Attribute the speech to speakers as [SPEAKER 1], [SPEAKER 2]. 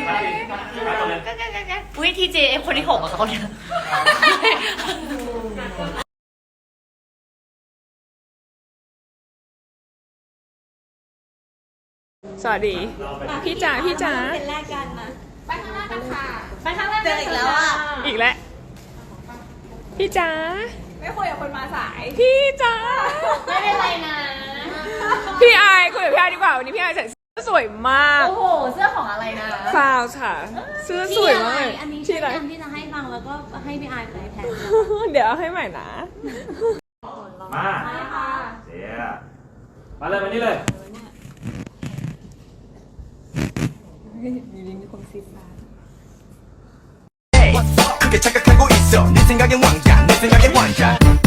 [SPEAKER 1] อุ้ยทีเจคนที่6อะเขาเนี่ย
[SPEAKER 2] สวัสดีพี่จ๋า
[SPEAKER 1] เป็นแรกกันนะไปข้างล่างกันค่ะไปข้างล่างเจออีกแล้วอ่ะ
[SPEAKER 2] อีกแล้วพี่จ๋า
[SPEAKER 1] ไม่คุยกับคนมาสาย
[SPEAKER 2] พี่จ๋า
[SPEAKER 1] ไม่เป็นไรนะ
[SPEAKER 2] พี่อายคุยกับพี่อายดีกว่าวันนี้พี่อายใส่เสื้อสวยมาก
[SPEAKER 1] โอ้โหเสื้อของอะไรนะ
[SPEAKER 2] ฟาวค่ะเสื้อสวยมาก
[SPEAKER 1] อันนี้
[SPEAKER 2] ที่ไหน
[SPEAKER 1] อันที่จะให้ฟังแล้วก็ให้พี่อายไปแทน
[SPEAKER 2] เดี๋ยวเอาให้ใหม่นะ
[SPEAKER 3] มาเสียมาเลยมานี่เลย
[SPEAKER 4] 그게 착각하고 있어 네 생각엔 왕자 내 생각엔 왕자